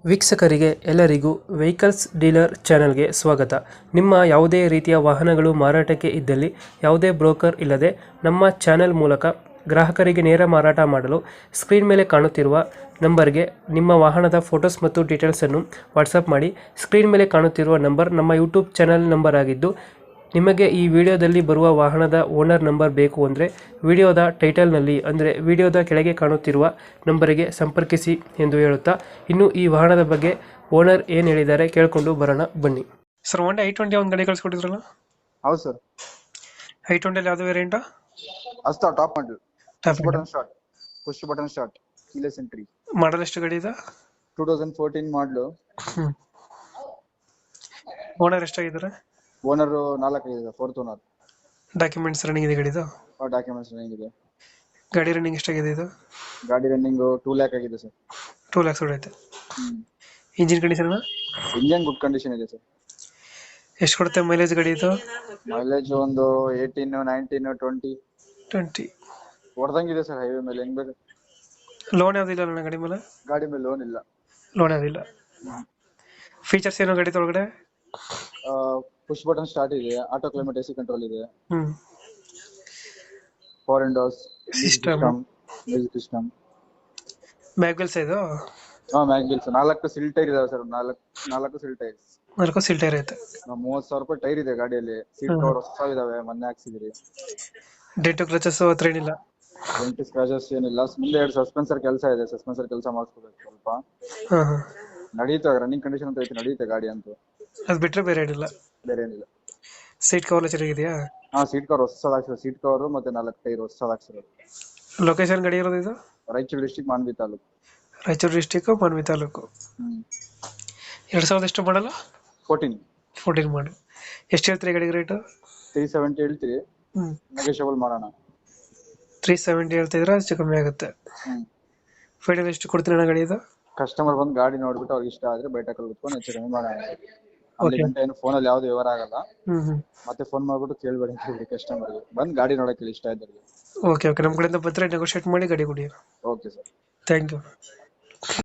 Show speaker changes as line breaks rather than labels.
ವೀಕ್ಷಕರಿಗೆ ಎಲ್ಲರಿಗೂ vehicles dealer ಚಾನೆಲ್ಗೆ ಸ್ವಾಗತ. ನಿಮ್ಮ ಯಾವುದೇ ರೀತಿಯ ವಾಹನಗಳು ಮಾರಾಟಕ್ಕೆ ಇದ್ದಲ್ಲಿ ಯಾವುದೇ ಬ್ರೋಕರ್ ಇಲ್ಲದೆ ನಮ್ಮ ಚಾನೆಲ್ ಮೂಲಕ ಗ್ರಾಹಕರಿಗೆ ನೇರ ಮಾರಾಟ ಮಾಡಲು ಸ್ಕ್ರೀನ್ ಮೇಲೆ ಕಾಣುತ್ತಿರುವ ನಂಬರ್ಗೆ ನಿಮ್ಮ ವಾಹನದ ಫೋಟೋಸ್ ಮತ್ತು ಡೀಟೇಲ್ಸನ್ನು ವಾಟ್ಸಪ್ ಮಾಡಿ. ಸ್ಕ್ರೀನ್ ಮೇಲೆ ಕಾಣುತ್ತಿರುವ ನಂಬರ್ ನಮ್ಮ ಯೂಟ್ಯೂಬ್ ಚಾನೆಲ್ ನಂಬರ್ ಆಗಿದ್ದು, ನಿಮಗೆ ಈ ವಿಡಿಯೋದಲ್ಲಿ ಬರುವ ವಾಹನದ ಓನರ್ ನಂಬರ್ ಬೇಕು ಅಂದರೆ ವಿಡಿಯೋದ ಟೈಟಲ್ನಲ್ಲಿ ಅಂದರೆ ವಿಡಿಯೋದ ಕೆಳಗೆ ಕಾಣುತ್ತಿರುವ ನಂಬರಿಗೆ ಸಂಪರ್ಕಿಸಿ ಎಂದು ಹೇಳುತ್ತಾ, ಇನ್ನು ಈ ವಾಹನದ ಬಗ್ಗೆ ಓನರ್ ಏನು ಹೇಳಿದ್ದಾರೆ ಕೇಳಿಕೊಂಡು ಬರೋಣ ಬನ್ನಿ. ಸರ್, ಹೊಂಡಾ I-20 ಒಂದು ಗಾಡಿ ಕಳಿಸ್ಕೊಟ್ಟಿದ್ರಲ್ಲ?
ಹೌದು ಸರ್.
I-20 ಯಾವುದು ವೇರಿಯಂಟಾ?
ಅಸ್ತಾ top model, push button start, keyless entry.
Model ಎಷ್ಟು ಗಾಡಿ ಇದೆ?
2014 ಮಾಡಲು.
ಓನರ್ ಎಷ್ಟಾಗಿದ್ದಾರೆ?
ಓನರ್ 4 ಇದೆ, ಫೋರ್ತ್ ಓನರ್.
ಡಾಕ್ಯುಮೆಂಟ್ಸ್ ರನ್ನಿಂಗ್ ಇದೆ ಗಾಡಿದು?
ಡಾಕ್ಯುಮೆಂಟ್ಸ್ ರನ್ನಿಂಗ್ ಇದೆ.
ಗಾಡಿ ರನ್ನಿಂಗ್ ಎಷ್ಟಾಗಿದೆ ಇದು?
ಗಾಡಿ ರನ್ನಿಂಗ್ 2 lakh ಆಗಿದೆ ಸರ್.
2 lakhs ಹೊಡೆಯುತ್ತೆ. Engine condition?
Engine good condition ಇದೆ ಸರ್.
ಎಷ್ಟು ಕೊಡುತ್ತೆ ಮೈಲೇಜ್ ಗಾಡಿ ಇದು?
ಮೈಲೇಜ್ ಒಂದು 18, 19,
20
ಹೊಡೆದಂಗಿದೆ ಸರ್. ಹೈವೇ ಮೇಲೆ ಹೆಂಗ್ ಬೇಕು.
ಲೋನ್ ಯಾವ್ದಿಲ್ಲ ನನ್ನ ಗಾಡಿ ಮೇಲೆ?
ಗಾಡಿ ಮೇಲೆ ಲೋನ್ ಇಲ್ಲ.
ಲೋನ್ ಯಾವ್ದಿಲ್ಲ. ಫೀಚರ್ಸ್ ಏನು ಗಾಡಿ ಒಳಗಡೆ?
ಪುಷ್ ಬಟನ್ ಸ್ಟಾರ್ಟ್ ಇದೆ, ಆಟೋ ಕ್ಲೈಮೇಟ್ AC ಕಂಟ್ರೋಲ್ ಇದೆ,
ಹ್ಮ್
4 windows
system,
music system.
Back wheels ಇದು?
ಮ್ಯಾಗ್ ವೀಲ್ಸ್ 4 ಸಿಲ್ ಟೈರ್ ಇದಾವೆ ಸರ್. 4 ಸಿಲ್ ಟೈರ್ಸ್.
4 ಸೀಟ್ ಟೈರ್ ಐತೆ.
30,000 ರೂಪಾಯಿ ಟೈರ್ ಇದೆ ಗಾಡಿಯಲ್ಲಿ. ಸೀಟ್ ಕವರ್ ಹೊಸ ಇದಾವೆ, ಮೊನ್ನೆ ಹಾಕ್ಸಿದ್ರಿ.
ಡೆಂಟು ಕ್ರಚಸ್ ಹತ್ರ ಏನಿಲ್ಲ?
ಡೆಂಟ್ ಸ್ಕ್ರಾಚಸ್ ಏನಿಲ್ಲ. ಮುಂದೆ 2 ಸಸ್ಪೆನ್ಸರ್ ಕೆಲಸ ಇದೆ, ಸಸ್ಪೆನ್ಸರ್ ಕೆಲಸ ಮಾಡಿಸ್ಕೋಬೇಕು ಸ್ವಲ್ಪ.
ಹಾ ಹಾ,
ನಡೀತಾ ರನ್ನಿಂಗ್ ಕಂಡೀಷನ್ ಅಂತ ಐತೆ, ನಡೀತೆ ಗಾಡಿ ಅಂತೂ.
ಅದು ಬಿಟ್ರೆ ಬೇರೆ ಏನಿಲ್ಲ?
ಬೇರೆ ಏನಿಲ್ಲ.
ಸೀಟ್ ಕವರ್ ಚೆನ್ನಾಗಿದೆಯಾ?
ಸೀಟ್ ಕವರ್ ಹೊಸದಾಗ್ಸಿರೋ, ಸೀಟ್ ಕವರ್ ಮತ್ತೆ 4 ಟೈರ್ ಹೊಸದಾಗ್ಸಿರೋದು.
ಲೊಕೇಶನ್ ಗಾಡಿ ಇರೋದು ಇದು?
ರಾಯಚೂರು ಡಿಸ್ಟ್ರಿಕ್ಟ್, ಮಾನ್ವಿ ತಾಲೂಕು.
ರಾಯಚೂರು ಡಿಸ್ಟಿಕ್, ಮಾನ್ವಿ ತಾಲೂಕು. 2000 ಎಷ್ಟು ಮಾಡಲ್ಲ?
14
ಮಾಡಿ. ಎಷ್ಟು ಹೇಳ್ತೀರಿ ಗಾಡಿಗೆ ರೇಟು?
370 ಹೇಳ್ತೀರಿ, ನೆಗೋಷಿಯಬಲ್ ಮಾಡೋಣ.
370 ಹೇಳ್ತಿದ್ರೆ ಹೆಚ್ಚು ಕಮ್ಮಿ ಆಗುತ್ತೆ. ಫೈನಲ್ ಎಷ್ಟು ಕೊಡ್ತೀನಿ ಅಣ್ಣ ಗಾಡಿ ಇದು?
ಕಸ್ಟಮರ್ ಬಂದು ಗಾಡಿ ನೋಡ್ಬಿಟ್ಟು ಅವ್ರಿಗೆ ಇಷ್ಟ ಆದ್ರೆ ಬೈಟಕಲ್ಲಿ ಕುತ್ಕೊಂಡು ಹೆಚ್ಚು ಕಮ್ಮಿ ಮಾಡೋಣ. ಅಲ್ಲಿ ಗಂಟೆ ಏನು ಫೋನಲ್ಲಿ ಯಾವ್ದು ವ್ಯವಹಾರ ಆಗಲ್ಲ. ಮತ್ತೆ ಫೋನ್ ಮಾಡ್ಬಿಟ್ಟು ಕೇಳ್ಬೇಡಿ ಅಂತ ಹೇಳಿ ಕಸ್ಟಮರ್ಗೆ. ಬಂದು ಗಾಡಿ ನೋಡಕ್ಕೆ ಇಷ್ಟ ಇದ್ದವ್ರಿಗೆ.
ಓಕೆ, ನಮ್ಮ ಕಡೆಯಿಂದ ಬಂದರೆ ನೆಗೋಷಿಯೇಟ್ ಮಾಡಿ ಗಾಡಿ ಕೊಡಿ.
Okay sir,
thank you.